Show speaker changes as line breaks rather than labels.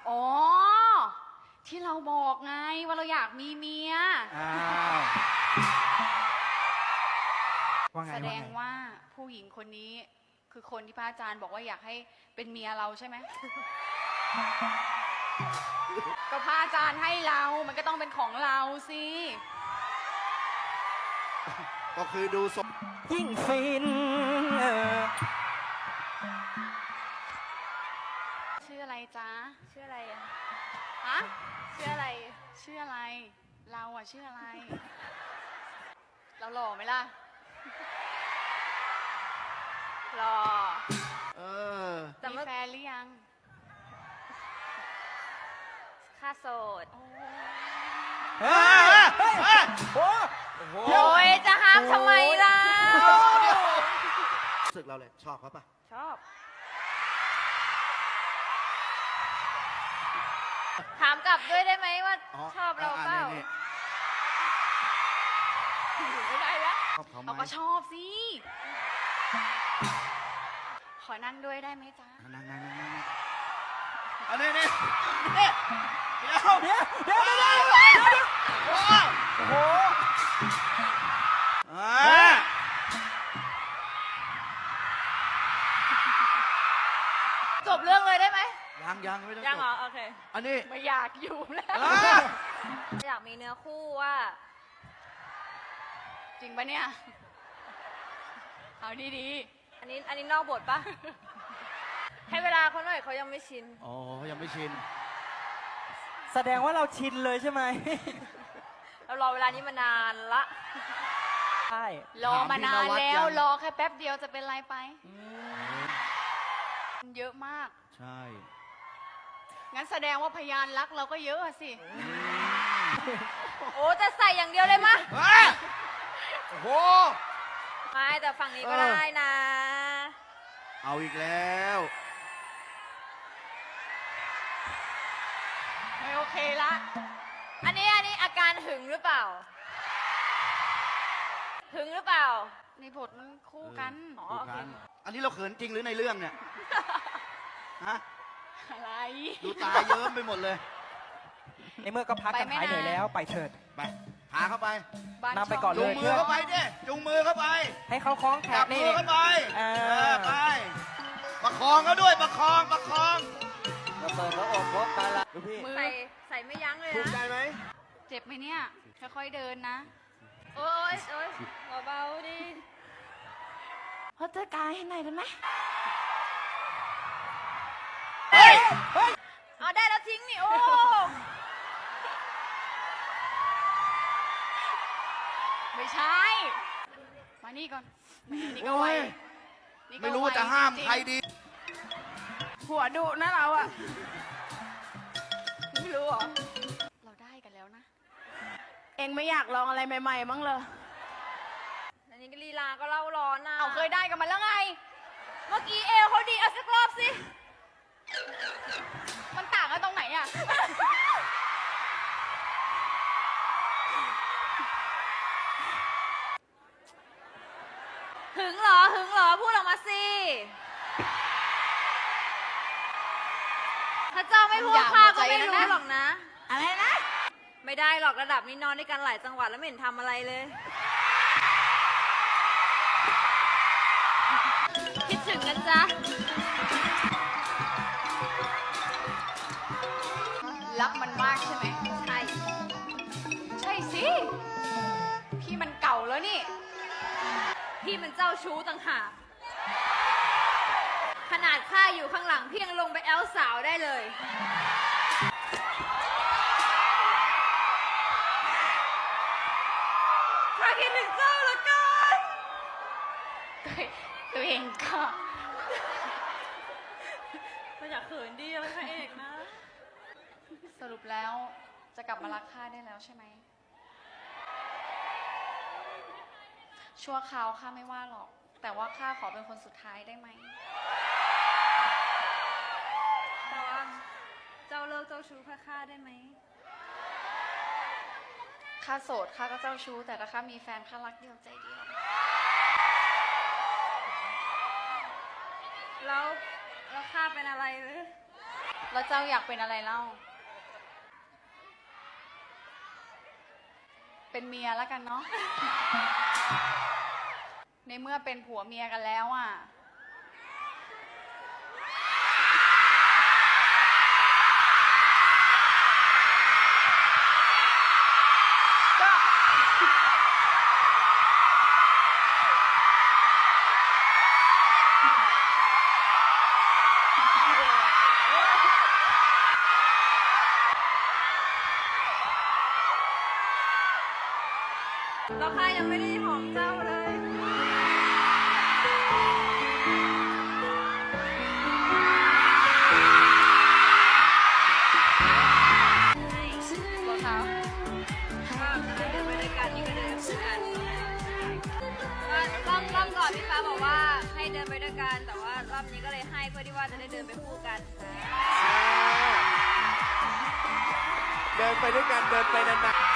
อ๋อที่เราบอกไงว่าเราอยากมีเมีย
ว่าไง
แสดงว่าผู้หญิงคนนี้คือคนที่พระอาจารย์บอกว่าอยากให้เป็นเมียเราใช่ไหม ก็พระอาจารย์ให้เรามันก็ต้องเป็นของเราสิ
ก็คือดูสม
ยิ่งฟิน
ชื่ออะไรจ๊ะ
ชื่ออะไรอะ
ฮะ
ชื่ออะไร
ชื่ออะไรเราอะชื่ออะไร เราหล่อไหมล่ะ
หรอ แต่
มี
ว่า
แฟนหรือยัง
ค่าโสด
เดี๋ยว
โอ้ยจะห้ามทำไมล่ะ
รู้สึกเราเลยชอบเขาปะ
ชอบ ถามกลับด้วยได้ไหมว่าชอบเราเปล่า
อยู่ไม่ได้แล้ว
ชอบเขาไหม
เราก็ชอบสิ ขอนั่งด้วยได้ไหมจ๊ะ
นั่งอันนี้นี่เดี๋ยว
โอ้โห
จบเรื่องเลยได้ไหม
ยังไม่ต้อง
ยังเหรอ โอเค
อันนี้
ไม่อยากอยู่แล้ว
อยากมีเนื้อคู่ว่า
จริงปะเนี่ย เอาดี
อันนี้นอกบทปะ ให้เวลาเขาหน่อยเขายังไม่ชิน
อ๋อยังไม่ชิน
แสดงว่าเราชินเลยใช่ไหม
เรารอเวลานี้มานานละ
ใช่
ๆ รอมานานแล้ว รอแค่แป๊บเดียวจะเป็นไรไป เยอะมาก
ใช่
งั้นแสดงว่าพยานรักเราก็เยอะอะสิ
โอ้แต่ใส่อย่างเดียวเลยมะ
โอ้โห
ไม่แต่ฝั่งนี้ก็ได้นะ
เอาอีกแล้ว
ไม่โอเคละ
อันนี้อาการหึงหรือเปล่า หึงหรือเปล่า
ในบทมันคู่กัน
อ๋อ
ดู
โอเค
กันอันนี้เราเขินจริงหรือในเรื่องเนี่ยฮะ
อะไร
ดูตาเยิ้มไปหมดเลย
ในเมื่อก็พักกันหายเหนื่อยแล้วไปเถิด
ไปพาเข้าไป
บ้าน
นำไปก่อน
จู
เล
ง
ย
มือเข้าไปดิจูงมือเข้าไป
ให้เขาคล้องแข
จั
น
บมื
นี่
อเข้าไป
ไป
ประคองเขาด้วยประคอง
เราเปิดพระอบพบกันละดูพี่
มือ
ใส่ไม่ยั้งเลย
ถูกใจ
นะ
ไหม
เจ็บไหมเนี่ย ค่อยๆเดินนะ
โอ๊ยเบาๆดิ
พอเจอกายให้หน่อยได้ไหม
เอาได้แล้วทิ้งนี่ โอ้
ไม่ใช่ มานี่ก่อนแหมนี่ก็ไวนี่ก็
ไม่รู้
ว
จะห้าม
จงๆ
ใครดี
หัวดุนะเราอะไม่รู้เหรอ เราได้กันแล้วนะ
เองไม่อยากลองอะไรใหม่ๆมั้งเลย
อันนี้ก็ลีลาก็เล่าร้อนนะ
เอาเคยได้กันมาแล้วไง
เมื่อกี้เอวเขาดีเอาสักรอบสิ
มันต่างกันตรงไหนอะ
หึงเหรอ พูดออกมาสิ ถ้าเจ้าไม่พูดข้าก็ไม่รู้หรอกนะ
อะไรนะ
ไม่ได้หรอกระดับนี้นอนด้วยกันหลายจังหวัดแล้วไม่เห็นทำอะไรเลย คิดถึงกันจ้ะ
รักมันมากใช่ไหม
ใช่
ใช่สิ พี่มันเก่าแล้วนี่
พี่มันเจ้าชู้ต่างหาก ขนาดข้าอยู่ข้างหลังพี่ยังลงไปแอลสาวได้เลย ข้าคิดถึงเจ้าเหลือเกิน
ตัวเองก็
ไม่อยากเขินดีเป็นพระเอกนะ
สรุปแล้วจะกลับมารักข้าได้แล้วใช่ไหม ชั่วคราวข้าไม่ว่าหรอก แต่ว่าข้าขอเป็นคนสุดท้ายได้ไหม
แต่ว่าเจ้าเลิกเจ้าชู้ข้าได้ไหม
ข้าโสดข้าก็เจ้าชู้ แต่ถ้าข้ามีแฟนข้ารักเดียวใจเดียว
แล้วข้าเป็นอะไรหรือ
แล้วเจ้าอยากเป็นอะไรเล่า เป็นเมียแล้วกันเนาะ ในเมื่อเป็นผัวเมียกันแล้วอ่ะ
แล้วข้ายังไม่ได้หอมเจ้าเลย
รองเท้า
ก็เดินไปด้วยกันนี่ก็เดินไปด้วยกันก็รอบก่อนพี่ฟ้าบอกว่าให้เดินไปด้วยกันแต่ว่ารอบนี้ก็เลยให้เพื่อที่ว่าจะได้เดินไปคู่กันค่ะ
เดินไปด้วยกัน เดินไปนานๆ